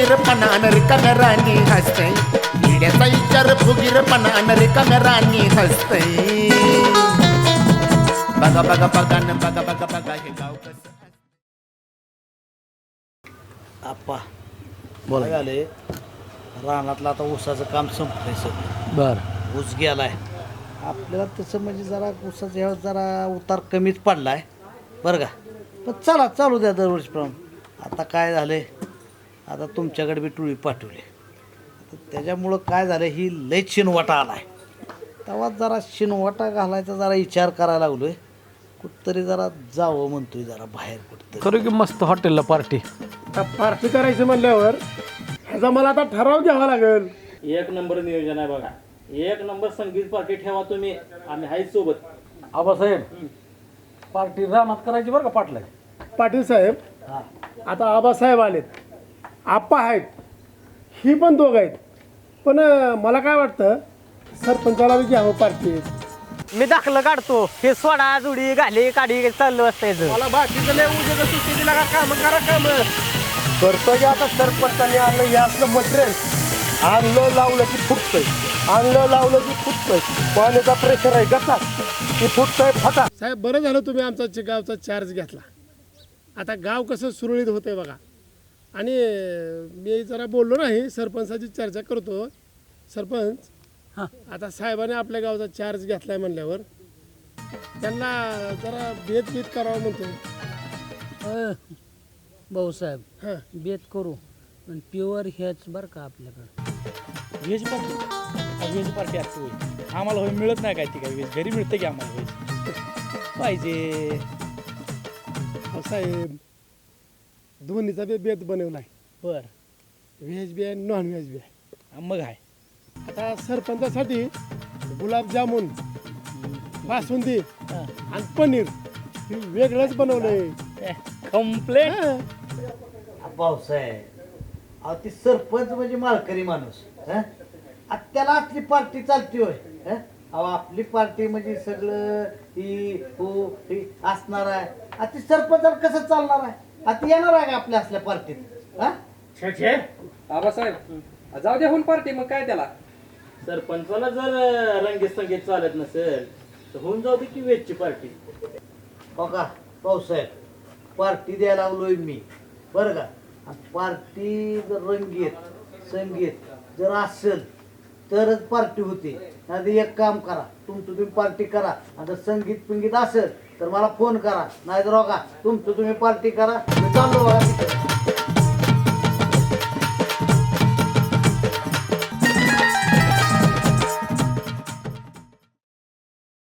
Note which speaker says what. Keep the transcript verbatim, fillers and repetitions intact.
Speaker 1: फुगीरपणानं रिकाम्या राणी हसतय येड्याचा विचार फुगीरपणानं रिकाम्या राणी हसतय बघा बघा बघा न बघा बघा बघा हे गाव कसं
Speaker 2: आप्पा बोला झाले रानातलं आता ऊसाचं काम संपलंय सगळं
Speaker 3: बर
Speaker 2: ऊस गेलाय आपल्याला तसं म्हणजे जरा ऊसाचा ह्या जरा उतार कमीच पडलाय बरं का पण चला चालू द्या दरवर्षीप्रमाणे आता काय झालंय आता तुमच्याकडे बी टोळी पाठवली आता त्याच्यामुळं काय झालं ही लय शिनवाटा आलाय तेव्हा जरा शिनवाटा घालायचा जरा विचार करायला लागलोय कुठतरी जरा जावं म्हणतोय जरा बाहेर कुठतरी
Speaker 3: करू की मस्त हॉटेलला पार्टी
Speaker 4: पार्टी करायचं म्हणल्यावर ह्याचा मला आता ठराव घ्यावा लागेल.
Speaker 5: एक नंबर नियोजन आहे बघा. एक नंबर संगीत पार्टी ठेवा तुम्ही, आम्ही आहेच सोबत.
Speaker 3: आबासाहेब पार्टी रानात करायची बरं का पाटला
Speaker 4: पाटील साहेब आता आबासाहेब आलेत, आप्पा आहेत, ही पण दोघ आहेत. पण अं, मला काय वाटतं सरपंचाला बी घ्यावं पार्टीत.
Speaker 6: मी दाखलं काढतो हे सोडा जुडी घाली काढी चाललं असतं
Speaker 4: मला बाकीचं लय उद्या सुट्टी दिला का काम करा काम करतो की आता सरपंचाने आणलं हे असलं मटेरियल आणलं लावलं की फुटतंय, आणलं लावलं की फुटतंय, पाण्याचा प्रेशर आहे कसा की फुटतंय फटा. साहेब बरं झालं तुम्ही आमचा च- गावचा चार्ज घेतला. आता गाव कसं सुरळीत होतंय बघा. आणि मी जरा बोललो नाही सरपंचाची चर्चा करतो. सरपंच
Speaker 3: हां
Speaker 4: आता साहेबाने आपल्या गावचा चार्ज घेतलाय म्हणल्यावर त्यांना जरा भेद भेद करावं म्हणतो.
Speaker 7: भाऊसाहेब
Speaker 4: हां
Speaker 7: बेत करू पण प्युअर हेच बरं का आपल्याकडं
Speaker 5: व्हेज पार्टी व्हेज पार्टी असते होय. आम्हाला होय मिळत नाही काय ती काय व्हेज घरी मिळतं की आम्हाला व्हेज पाहिजे.
Speaker 4: अहो साहेब दोन्हीचा बी बेत बनवलाय,
Speaker 5: बर
Speaker 4: व्हेज बी आहे नॉन व्हेज बी आहे.
Speaker 5: मग आहे
Speaker 4: आता सरपंचासाठी गुलाबजामुन बासुंदी आणि पनीर हे वेगळंच बनवलंय.
Speaker 5: कम्प्लेट.
Speaker 2: भाऊसाहेब अहो ती सरपंच म्हणजे मालकरी माणूस हं? आता त्याला आपली पार्टी चालती होय हं? अहो आपली पार्टी म्हणजे सगळं ही हो ही असणार आहे. आता ती सरपंचाला कसं चालणार आहे? आता येणार आहे का आपल्या असल्या पार्टीत हा
Speaker 8: आबासाहेब जाऊ द्या होऊन पार्टी मग काय त्याला.
Speaker 5: सरपंचाला जर रंगीत संगीत चालत नसेल तर होऊन जाऊ दे की व्हेजची पार्टी.
Speaker 2: बघा भाऊसाहेब पार्टी द्यायला लावलोय मी बरं का. पार्टी जर रंगीत संगीत जर असेल तरच पार्टी होते. नाही एक काम करा तुमचं तुम्ही पार्टी करा. आता संगीत पिंगीत असेल तर मला फोन करा, नाही तर बघा तुमचं तुम्ही पार्टी करा. मी चाललो बघा तिकडे.